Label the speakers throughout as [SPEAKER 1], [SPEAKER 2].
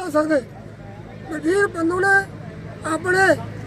[SPEAKER 1] ਦੱਸ ਸਕਦੇ। ਵਜ਼ੀਰ ਪੰਨੂ ਨੇ ਆਪਣੇ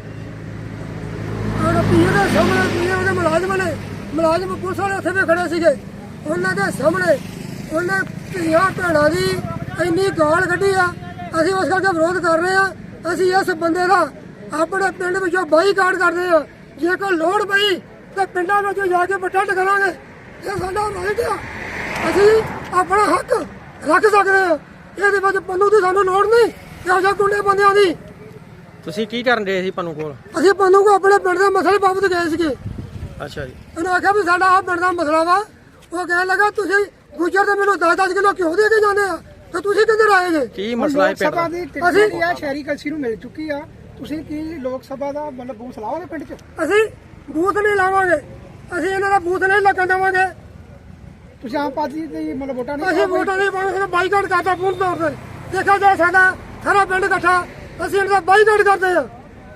[SPEAKER 1] ਪੀਏ ਦੇ ਸਾਹਮਣੇ ਪੀਏ ਦੇ ਮੁਲਾਜ਼ਮ ਪੁਲਿਸ ਵਾਲੇ ਉੱਥੇ ਵੀ ਖੜੇ ਸੀਗੇ, ਉਹਨਾਂ ਦੇ ਸਾਹਮਣੇ ਉਹਨੇ ਧੀਆਂ ਭੈਣਾਂ ਦੀ ਇੰਨੀ ਗਾਲ ਕੱਢੀ ਆ। ਅਸੀਂ ਉਸ ਕਰਕੇ ਵਿਰੋਧ ਕਰ ਰਹੇ ਆ। ਅਸੀਂ ਇਸ ਬੰਦੇ ਦਾ ਆਪਣੇ ਪਿੰਡ ਵਿੱਚੋਂ ਬਾਈਕਾਟ ਕਰਦੇ ਆ। ਜੇ ਕੋਈ ਲੋੜ ਪਈ ਤਾਂ ਪਿੰਡਾਂ ਵਿੱਚ ਜਾ ਕੇ ਪ੍ਰੋਟੈਸਟ ਕਰਾਂਗੇ। ਇਹ ਸਾਡਾ ਰਾਈਟ ਆ, ਅਸੀਂ ਆਪਣਾ ਹੱਕ ਰੱਖ ਸਕਦੇ ਆ। ਇਹਦੇ ਵਿੱਚ ਪੰਨੂ ਦੀ ਸਾਨੂੰ ਲੋੜ ਨਹੀਂ, ਇਹੋ ਜਿਹੇ ਗੁੰਡੇ ਬੰਦਿਆਂ ਦੀ।
[SPEAKER 2] ਤੁਸੀਂ ਕੀ ਕਰਨ ਰਹੇ ਸੀ ਪੰਨੂ ਕੋਲ?
[SPEAKER 1] ਅਸੀਂ ਪੰਨੂ ਕੋ ਆਪਣੇ ਪਿੰਡ ਦੇ ਮਸਲੇ ਬਾਬਤ ਗਏ ਸੀਗੇ।
[SPEAKER 2] ਅੱਛਾ ਜੀ।
[SPEAKER 1] ਉਹਨੇ ਆਖਿਆ ਵੀ ਸਾਡਾ ਆਹ ਪਿੰਡ ਦਾ ਮਸਲਾ ਵਾ। ਉਹ ਕਹਿਣ ਲੱਗਾ ਤੁਸੀਂ ਗੁੱਜਰ ਤੇ ਮੈਨੂੰ 10-10 ਕਿਲੋ ਘਿਓ ਦੇ ਕੇ ਜਾਂਦੇ ਆ ਤੇ ਤੁਸੀਂ ਕਿੱਧਰ ਆਏ ਜੇ?
[SPEAKER 2] ਕੀ ਮਸਲਾ ਹੈ ਪਿੰਡ ਦਾ?
[SPEAKER 1] ਅਸੀਂ
[SPEAKER 3] ਆ ਸ਼ਹਿਰੀ ਕਲਸੀ ਨੂੰ ਮਿਲ ਚੁੱਕੀ ਆ, ਤੁਸੀਂ ਕੀ ਲੋਕ ਸਭਾ ਦਾ ਮਤਲਬ ਬੂਥ ਲਾਓਗੇ ਪਿੰਡ 'ਚ?
[SPEAKER 1] ਅਸੀਂ ਬੂਥ ਨਹੀਂ ਲਾਵਾਂਗੇ, ਅਸੀਂ ਇਹਨਾਂ ਦਾ ਬੂਥ ਨਹੀਂ ਲੱਗਣ ਦੇਵਾਂਗੇ।
[SPEAKER 3] ਤੁਸੀਂ ਆਮ ਪਾਰਟੀ ਦੀ ਮਤਲਬ ਵੋਟਾਂ ਨਹੀਂ
[SPEAKER 1] ਅਸੀਂ ਵੋਟਾਂ ਨਹੀਂ ਪਾਉਣੇ, ਸਾਡਾ ਬਾਈਕਾਟ ਕਰਦਾ ਪੂਰਨ ਤੌਰ ਤੇ। ਦੇਖਿਆ ਜਾਏ ਸਾਡਾ ਸਾਰਾ ਪਿੰਡ ਇਕੱਠਾ, ਅਸੀਂ ਇਹਨਾਂ ਦਾ ਬਾਈਕਾਟ ਕਰਦੇ ਆ।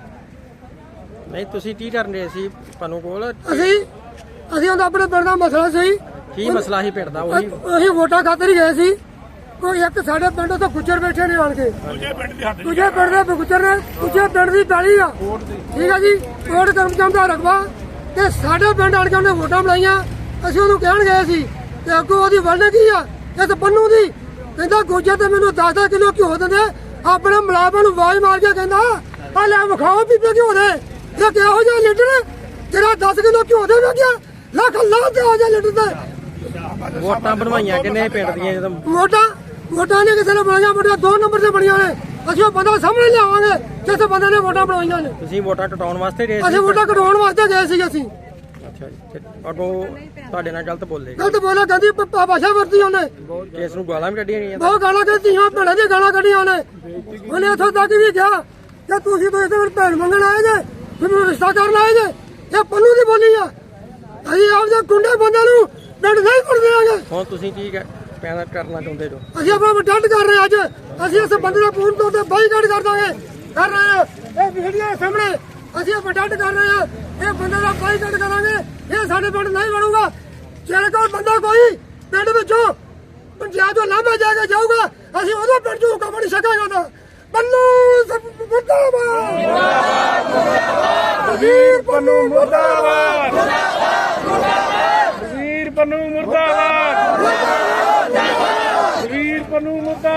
[SPEAKER 2] ਨਹੀਂ ਤੁਸੀਂ ਕੀ ਕਰਨ ਰਹੇ ਸੀ ਪੰਨੂ ਕੋਲ?
[SPEAKER 1] ਅਸੀਂ ਉਹਦਾ ਆਪਣੇ ਪਿੰਡ ਦਾ ਮਸਲਾ ਸੀ।
[SPEAKER 2] ਕੀ ਮਸਲਾ ਸੀ ਪਿੰਡ ਦਾ?
[SPEAKER 1] ਅਸੀਂ ਵੋਟਾਂ ਖਾਤਰ ਹੀ ਗਏ ਸੀ। ਕੋਈ ਇੱਕ ਸਾਡੇ ਪਿੰਡ ਤੋਂ ਗੁੱਜਰ ਬੈਠੇ ਨੇ ਆਣ ਕੇ, ਦੂਜੇ ਪਿੰਡ ਦੇ ਗੁੱਜਰ ਨੇ, ਦੂਜੇ ਪਿੰਡ ਦੀ ਪੈਲੀ ਆ, ਠੀਕ ਆ ਜੀ, ਕੋਟ ਕਰਮਚੰਦ ਦਾ ਰਕਬਾ, ਤੇ ਸਾਡੇ ਪਿੰਡ ਆਣ ਕੇ ਉਹਨੇ ਵੋਟਾਂ ਬਣਾਈਆਂ। ਅਸੀਂ ਉਹਨੂੰ ਕਹਿਣ ਗਏ ਸੀ ਤੇ ਅੱਗੋਂ ਉਹਦੀ ਵਲਡ ਕੀ ਆ ਇਸ ਪੰਨੂ ਦੀ। ਕਹਿੰਦਾ ਗੁੱਜਰ ਤੇ ਮੈਨੂੰ 10-10 ਕਿਲੋ ਘਿਓ ਦਿੰਦੇ। ਆਪਣੇ ਮੁਲਾਜ਼ਮਾਂ ਨੂੰ ਆਵਾਜ਼ ਮਾਰ ਕੇ ਕਹਿੰਦਾ ਆ ਲੈ ਵਿਖਾਓ ਪੀਪੇ ਘਿਓ ਦੇ। ਇਹ ਕਿਹੋ ਜਿਹਾ ਲੀਡਰ ਜਿਹੜਾ 10 ਕਿਲੋ ਘਿਓ ਦੇ ਵੇਖਿਆ? ਲੱਖ ਲਾਹ ਤੇ ਹੋ ਜਾ ਲੀਡਰ ਤੇ।
[SPEAKER 2] ਵੋਟਾਂ ਬਣਵਾਈਆਂ ਕਿੰਨੇ ਪਿੰਡ ਦੀਆਂ? ਜਦੋਂ
[SPEAKER 1] ਵੋਟਾਂ ਨੇ ਕਿਸੇ ਨੇ ਬਣਾਈਆਂ, ਵੋਟਾਂ 2 ਨੰਬਰ ਤੇ ਬਣੀਆਂ ਨੇ। ਅਸੀਂ ਉਹ ਬੰਦਾ ਸਾਹਮਣੇ ਲਿਆਵਾਂਗੇ ਜਿਸ ਬੰਦੇ ਨੇ ਵੋਟਾਂ ਬਣਾਈਆਂ ਨੇ।
[SPEAKER 2] ਤੁਸੀਂ ਵੋਟਾਂ ਕਟਾਉਣ ਵਾਸਤੇ ਗਏ ਸੀ?
[SPEAKER 1] ਅਸੀਂ ਵੋਟਾਂ ਕਟਾਉਣ ਵਾਸਤੇ ਗਏ ਸੀ। ਅਸੀਂ
[SPEAKER 2] ਅੱਛਾ ਜੀ। ਤੇ ਅੱਗੋਂ ਤੁਹਾਡੇ ਨਾਲ ਗਲਤ ਬੋਲੇ?
[SPEAKER 1] ਗਲਤ ਬੋਲਿਆ, ਕਹਿੰਦੀ ਭਾਸ਼ਾ ਵਰਤੀ ਉਹਨੇ।
[SPEAKER 2] ਕੇਸ ਨੂੰ ਗਾਲਾਂ ਵੀ ਕੱਢੀਆਂ ਗਈਆਂ?
[SPEAKER 1] ਬਹੁਤ ਗਾਲਾਂ ਕੱਢੀਆਂ, ਭੈਣਾਂ ਦੀਆਂ ਗਾਲਾਂ ਕੱਢੀਆਂ ਉਹਨੇ। ਉਹਨੇ ਉੱਥੋਂ ਤੱਕ ਵੀ ਕਿਹਾ ਕਿ ਤੁਸੀਂ ਤਾਂ ਇੱਥੇ ਭੈਣ ਮੰਗਣ ਆਏ ਜੇ, ਮੈਨੂੰ ਰਿਸ਼ਤਾ ਕਰਨ ਆਏ ਜੇ। ਇਹ ਪੰਨੂ ਦੀ ਬੋਲੀ ਆ। ਅਸੀਂ ਆਪਦੇ ਗੁੰਡੇ ਬੰਦਿਆਂ ਨੂੰ ਪਿੰਡ ਨਹੀਂ ਕਰ ਦੇਵਾਂਗੇ।
[SPEAKER 2] ਹੁਣ ਤੁਸੀਂ ਕੀ ਪੈਦਾ ਕਰਨਾ ਚਾਹੁੰਦੇ ਜੋ?
[SPEAKER 1] ਅਸੀਂ ਆਪਣਾ ਪ੍ਰੋਟੈਸਟ ਕਰ ਰਹੇ ਅੱਜ। ਅਸੀਂ ਇਸ ਬੰਦੇ ਦਾ ਪੂਰਨ ਤੌਰ ਤੇ ਬਾਈਕਾਟ ਕਰ ਰਹੇ ਆ। ਇਹ ਵੀਡੀਓ ਸਾਹਮਣੇ ਅਸੀਂ ਪ੍ਰੋਟੈਸਟ ਕਰ ਰਹੇ ਆ। ਇਹ ਬੰਦੇ ਦਾ ਬਾਈਕਾਟ ਕਰਾਂਗੇ। ਇਹ ਸਾਡੇ ਪਿੰਡ ਨਹੀਂ ਬਣੂਗਾ। ਜੇ ਕੋਈ ਬੰਦਾ ਕੋਈ ਪਿੰਡ ਵਿੱਚੋਂ ਪੰਜਾਬ ਤੋਂ ਲਾਂਭਾ ਜਾ ਕੇ ਜਾਊਗਾ, ਅਸੀਂ ਉਹਦੇ ਪਿੰਡ ਚੋਂ ਹੁਕਮ ਨਹੀਂ ਸਕਾਂਗੇ। ਪੰਨੂ ਮੁਰਦਾਬਾਦ,
[SPEAKER 4] ਵਜ਼ੀਰ ਪੰਨੂ ਮੁਰਦਾਬਾਦ, ਵਜ਼ੀਰ ਪੰਨੂ ਮੁਰਦਾਬਾਦ, ਵਜ਼ੀਰ ਪੰਨੂ ਮੁਰਦਾਬਾਦ।